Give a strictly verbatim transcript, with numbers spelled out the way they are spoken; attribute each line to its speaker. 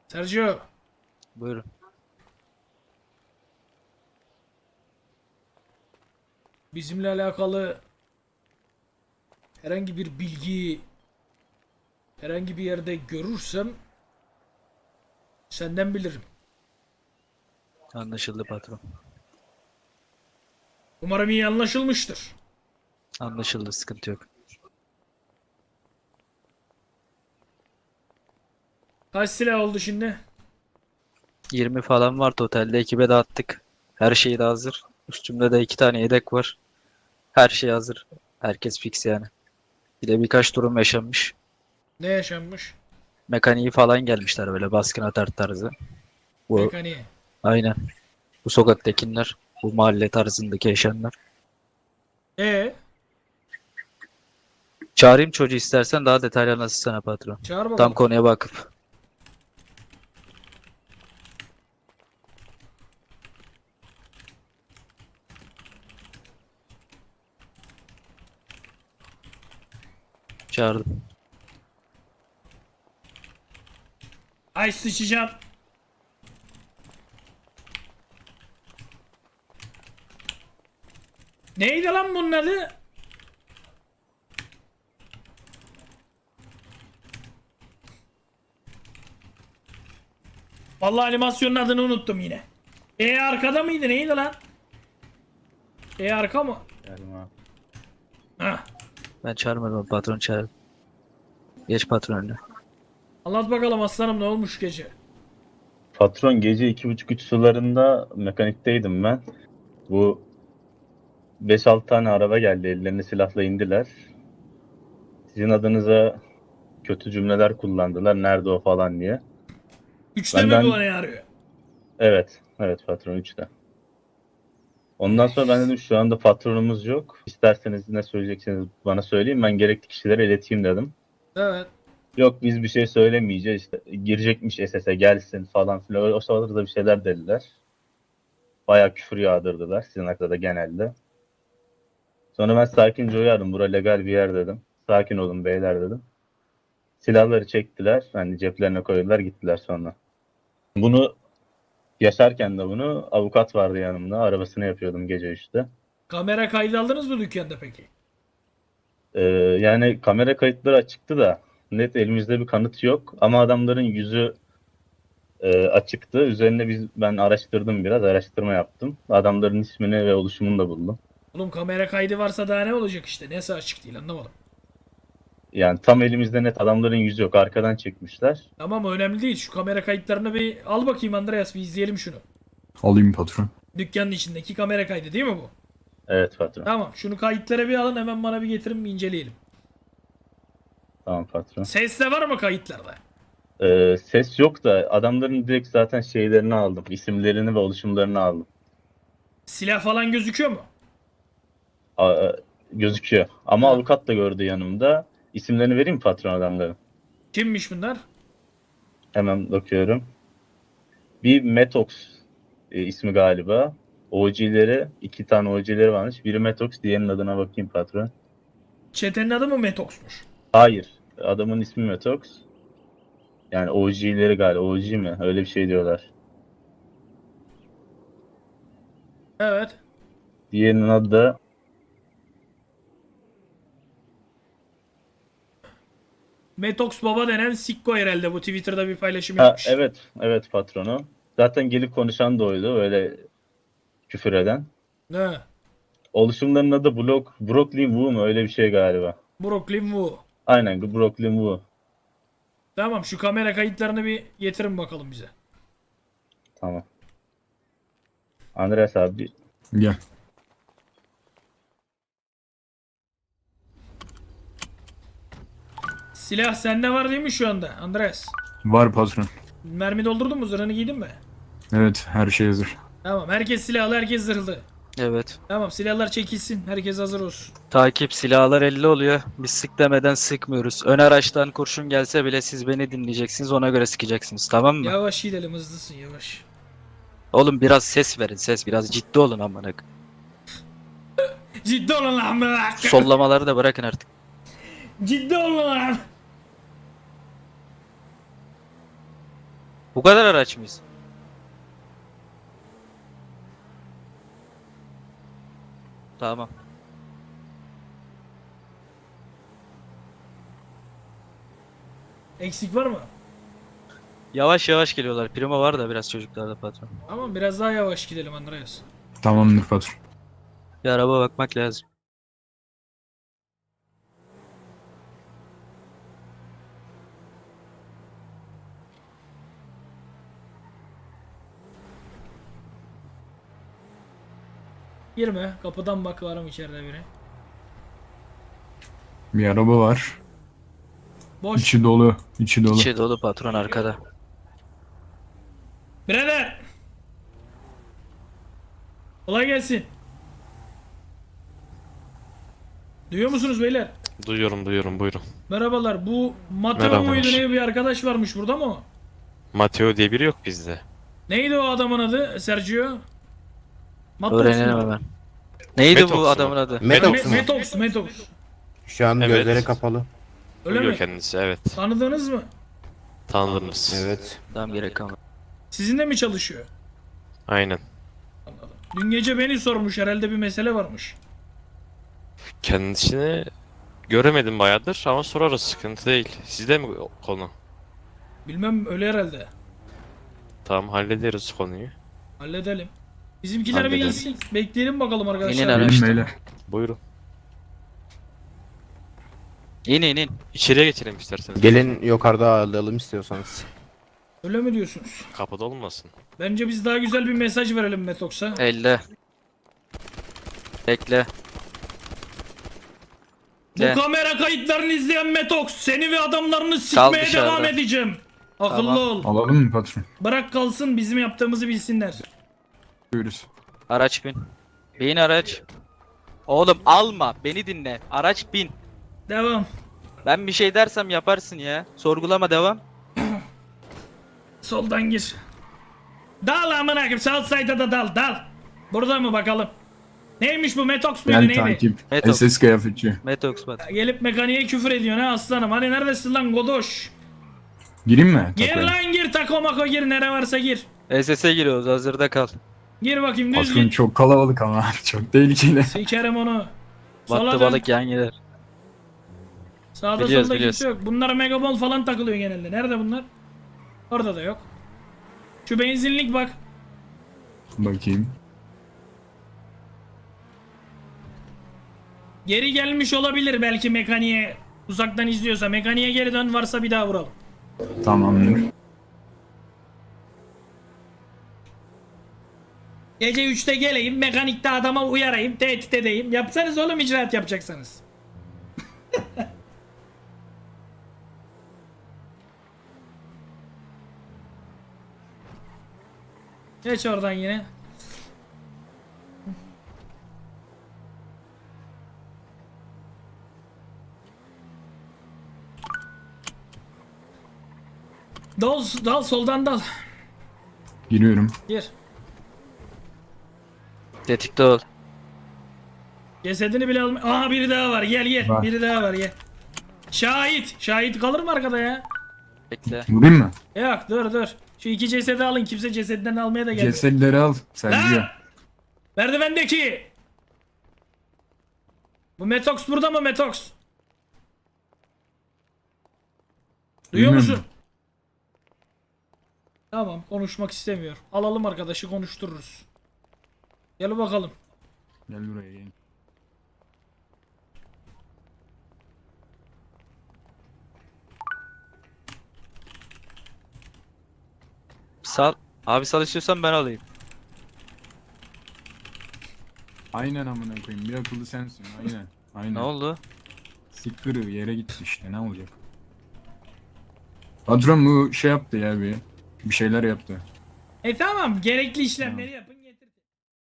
Speaker 1: Sergio,
Speaker 2: Buyurun.
Speaker 1: bizimle alakalı herhangi bir bilgi herhangi bir yerde görürsem senden bilirim.
Speaker 2: Anlaşıldı patron.
Speaker 1: Umarım iyi anlaşılmıştır.
Speaker 2: Anlaşıldı, sıkıntı yok.
Speaker 1: Kaç silah oldu şimdi?
Speaker 2: yirmi falan var totalde, ekibe dağıttık. Her şey de hazır. Üstümde de iki tane yedek var. Her şey hazır. Herkes fix yani. Bir de birkaç durum yaşanmış.
Speaker 1: Ne yaşanmış?
Speaker 2: Mekaniği falan gelmişler, böyle baskın atar tarzı. Bu
Speaker 1: Mekaniğe.
Speaker 2: aynen. Bu sokaktakiler. Bu mahalle tarzındaki yaşayanlar.
Speaker 1: E
Speaker 2: Çağırayım çocuğu, istersen daha detaylı anlatsana patron.
Speaker 1: çağır
Speaker 2: Tam
Speaker 1: bakalım.
Speaker 2: konuya vakıf. Çağırdım.
Speaker 1: Ay sıçacağım. Neydi lan bunun adı? Vallahi animasyonun adını unuttum yine. E arkada mıydı? Neydi lan? E arka mı?
Speaker 3: Geldim abi.
Speaker 1: Ha.
Speaker 2: Ben çağırmadım, patron çağırdı. Geç patron önüne.
Speaker 1: Anlat bakalım aslanım, ne olmuş gece?
Speaker 3: Patron gece iki buçuk üç sularında mekanikteydim ben. Bu beş altı tane araba geldi. Ellerine silahla indiler. Sizin adınıza kötü cümleler kullandılar. Nerede o falan diye.
Speaker 1: Üçte mi bu
Speaker 3: Benden
Speaker 1: ne arıyor?
Speaker 3: evet. Evet patron üçte. Ondan sonra ben dedim şu anda patronumuz yok. İsterseniz ne söyleyeceksiniz bana söyleyin. Ben gerekli kişilere ileteyim dedim.
Speaker 1: Evet.
Speaker 3: Yok biz bir şey söylemeyeceğiz. İşte girecekmiş S S'e gelsin falan filan. O sırada da bir şeyler dediler. Bayağı küfür yağdırdılar. Sizin hakkında da genelde. Sonra ben sakince uyardım. Bura legal bir yer dedim. Sakin olun beyler dedim. Silahları çektiler. Hani ceplerine koydular gittiler sonra. Bunu yaşarken de bunu avukat vardı yanımda. Arabasını yapıyordum gece üçte.
Speaker 1: Kamera kaydı aldınız mı dükkanda peki?
Speaker 3: Ee, yani kamera kayıtları açıktı da net elimizde bir kanıt yok. Ama adamların yüzü e, açıktı. Üzerine biz ben araştırdım biraz. Araştırma yaptım. Adamların ismini ve oluşumunu da buldum.
Speaker 1: Oğlum kamera kaydı varsa daha ne olacak işte? Nesi açık değil, anlamadım.
Speaker 3: Yani tam elimizde net adamların yüzü yok. Arkadan çekmişler.
Speaker 1: Tamam, önemli değil. Şu kamera kayıtlarını bir al bakayım Andreas, bir izleyelim şunu.
Speaker 4: Alayım patron.
Speaker 1: Dükkanın içindeki kamera kaydı değil mi bu?
Speaker 3: Evet patron.
Speaker 1: Tamam, şunu kayıtlara bir alın, hemen bana bir getirin, bir inceleyelim.
Speaker 3: Tamam patron.
Speaker 1: Ses de var mı kayıtlarda?
Speaker 3: Ee, ses yok da adamların direkt zaten şeylerini aldım. İsimlerini ve oluşumlarını aldım.
Speaker 1: Silah falan gözüküyor mu?
Speaker 3: A- gözüküyor. Ama
Speaker 1: Ha.
Speaker 3: avukat da gördü yanımda. İsimlerini vereyim mi patron adamların?
Speaker 1: Kimmiş bunlar?
Speaker 3: Hemen bakıyorum. Bir Metox e, ismi galiba. O G'leri, iki tane O G'leri varmış. Biri Metox, diğerinin adına bakayım patron.
Speaker 1: Çetenin adı mı Metox'muş?
Speaker 3: Hayır. Adamın ismi Metox. Yani O G'leri galiba. O G mi? Öyle bir şey diyorlar.
Speaker 1: Evet.
Speaker 3: Diğerinin adı da
Speaker 1: Metox Baba denen Sikko herhalde, bu Twitter'da bir paylaşım
Speaker 3: ha,
Speaker 1: yapmış.
Speaker 3: evet. Evet patronu. Zaten gelip konuşan da oydu. Öyle küfür eden.
Speaker 1: Ne?
Speaker 3: Oluşumların adı Block, Brooklyn Wu mu? Öyle bir şey galiba.
Speaker 1: Brooklyn Wu.
Speaker 3: Aynen Brooklyn Wu.
Speaker 1: Tamam, şu kamera kayıtlarını bir getirin bakalım bize.
Speaker 3: Tamam. Andreas abi.
Speaker 4: Gel.
Speaker 1: Silah sende var değil mi şu anda Andres?
Speaker 4: Var patron.
Speaker 1: Mermi doldurdun mu? Zırhını giydin mi?
Speaker 4: Evet, her şey hazır.
Speaker 1: Tamam, herkes silahlı, herkes zırhlı.
Speaker 2: Evet.
Speaker 1: Tamam, silahlar çekilsin, herkes hazır olsun.
Speaker 2: Takip, silahlar elli oluyor. Biz sık demeden sıkmıyoruz. Ön araçtan kurşun gelse bile siz beni dinleyeceksiniz, ona göre sıkacaksınız, tamam mı?
Speaker 1: Yavaş gidelim, hızlısın, yavaş.
Speaker 2: Oğlum biraz ses verin, ses, biraz ciddi olun amına koyayım.
Speaker 1: Ciddi olun lan bırak.
Speaker 2: Sollamaları da bırakın artık.
Speaker 1: Ciddi olun lan.
Speaker 2: Bu kadar araç mıyız? Tamam.
Speaker 1: Eksik var mı?
Speaker 2: Yavaş yavaş geliyorlar. Primo var da biraz çocuklarda patron.
Speaker 1: Tamam biraz daha yavaş gidelim Andreas.
Speaker 4: Tamamdır patron.
Speaker 2: Bir araba bakmak lazım.
Speaker 1: Girme. Kapıdan bak var mı içeride biri.
Speaker 4: Bir araba var.
Speaker 1: Boş.
Speaker 4: İçi dolu. İçi dolu.
Speaker 2: İçi dolu patron arkada.
Speaker 1: Birader. Kolay gelsin. Duyuyor musunuz beyler?
Speaker 5: Duyuyorum duyuyorum buyurun.
Speaker 1: Merhabalar. Bu Mateo
Speaker 5: Merhabalar.
Speaker 1: muydu ne bir arkadaş varmış burada mı o?
Speaker 5: Mateo diye biri yok bizde.
Speaker 1: Neydi o adamın adı? Sergio? Matos
Speaker 2: Öğrenelim
Speaker 1: mu?
Speaker 2: hemen. Neydi
Speaker 5: Metox
Speaker 2: bu
Speaker 5: mu?
Speaker 2: adamın adı?
Speaker 6: Metox
Speaker 1: Me-
Speaker 6: mu?
Speaker 1: Metox, Metox.
Speaker 6: Şu an
Speaker 5: Evet.
Speaker 6: gözleri kapalı.
Speaker 1: Öyle
Speaker 5: Duyuyor
Speaker 1: mi?
Speaker 5: kendisi evet.
Speaker 1: Tanıdınız mı?
Speaker 5: Tanıdınız.
Speaker 6: Evet.
Speaker 2: Tamam gerek kalmadı.
Speaker 1: Sizinle mi çalışıyor?
Speaker 5: Aynen.
Speaker 1: Anladım. Dün gece beni sormuş herhalde bir mesele varmış.
Speaker 5: Kendisini göremedim bayağıdır ama sorarız sıkıntı değil. Sizde mi konu?
Speaker 1: Bilmem öyle herhalde.
Speaker 5: Tamam hallederiz konuyu.
Speaker 1: Halledelim. Bizimkiler bir
Speaker 5: Halledelim.
Speaker 1: gelsin. Bekleyelim bakalım arkadaşlar.
Speaker 2: İnin
Speaker 4: Gelin
Speaker 2: araçtan.
Speaker 4: beyler.
Speaker 5: Buyurun.
Speaker 2: İn in in.
Speaker 5: İçeriye geçelim isterseniz.
Speaker 6: Gelin yukarıda ağırlayalım istiyorsanız.
Speaker 1: Öyle mi diyorsunuz?
Speaker 5: Kapıda olmasın.
Speaker 1: Bence biz daha güzel bir mesaj verelim Metox'a.
Speaker 2: Elle. Bekle.
Speaker 1: Bu
Speaker 2: De.
Speaker 1: kamera kayıtlarını izleyen Metox seni ve adamlarını sikmeye
Speaker 2: dışarıda.
Speaker 1: devam edeceğim. Akıllı
Speaker 2: Tamam.
Speaker 1: ol.
Speaker 4: Alalım mı patron?
Speaker 1: Bırak kalsın bizim yaptığımızı bilsinler.
Speaker 4: Buyuruz.
Speaker 2: Araç bin. Bin araç. Oğlum alma. Beni dinle. Araç bin.
Speaker 1: Devam.
Speaker 2: Ben bir şey dersem yaparsın ya. Sorgulama devam.
Speaker 1: Soldan gir. Dal amına koyayım. Southside'a da dal dal. Burada mı bakalım? Neymiş bu Metox muydu
Speaker 4: Gel
Speaker 1: neydi?
Speaker 4: takip.
Speaker 2: Metox.
Speaker 4: S S kıyafetçi.
Speaker 2: Metox bat.
Speaker 1: Gelip mekaniğe küfür ediyor ne aslanım. Hani neredesin lan godoş?
Speaker 4: Gireyim mi?
Speaker 1: Gir
Speaker 4: Takoya?
Speaker 1: lan gir tako mako gir nere varsa gir.
Speaker 2: S S'e giriyoruz. Hazırda kal.
Speaker 1: Gir bakayım düz
Speaker 4: Patron
Speaker 1: git.
Speaker 4: çok kalabalık ama. Çok tehlikeli.
Speaker 1: Sikerim onu. Sola
Speaker 2: Battı
Speaker 1: dön.
Speaker 2: balık yan gider.
Speaker 1: Sağda
Speaker 2: Biliyoruz,
Speaker 1: solda
Speaker 2: biliyoruz.
Speaker 1: kimse yok. Bunlar megabol falan takılıyor genelde. Nerede bunlar? Orada da yok. Şu benzinlik bak.
Speaker 4: Bakayım.
Speaker 1: Geri gelmiş olabilir belki mekaniğe. Uzaktan izliyorsa. Mekaniğe geri dön varsa bir daha vuralım.
Speaker 4: Tamamdır.
Speaker 1: Gece üçte geleyim mekanikte adama uyarayım. Tehdit edeyim. Yapsanız oğlum icraat yapacaksanız. Geç oradan yine. Dal, dal soldan dal.
Speaker 4: Giriyorum.
Speaker 1: Gir.
Speaker 2: Tetikte ol.
Speaker 1: Cesedini bile alma. Aha biri daha var. Gel gel.
Speaker 4: Var.
Speaker 1: Biri daha var gel. Şahit. Şahit kalır mı arkada ya?
Speaker 2: Bekle.
Speaker 4: Vurayım mı?
Speaker 1: Yok dur dur. Şu iki cesedi alın. Kimse cesedinden almaya da gelmiyor.
Speaker 4: Cesetleri al. Sergio.
Speaker 1: Lan! Merdivendeki. Bu Metox burada mı Metox? Duyuyor
Speaker 4: Bilmiyorum.
Speaker 1: musun? Tamam konuşmak istemiyor. Alalım arkadaşı konuştururuz. Gel bakalım.
Speaker 4: Gel buraya gel.
Speaker 2: Sal. Abi sal istiyorsan ben alayım.
Speaker 4: Aynen amına koyayım. Bir akıllı sensin. Aynen. Aynen.
Speaker 2: Ne oldu?
Speaker 4: Siktir yere gitti işte. Ne olacak? Patron bu şey yaptı ya bir. Bir şeyler yaptı.
Speaker 1: E tamam gerekli işlemleri yapın.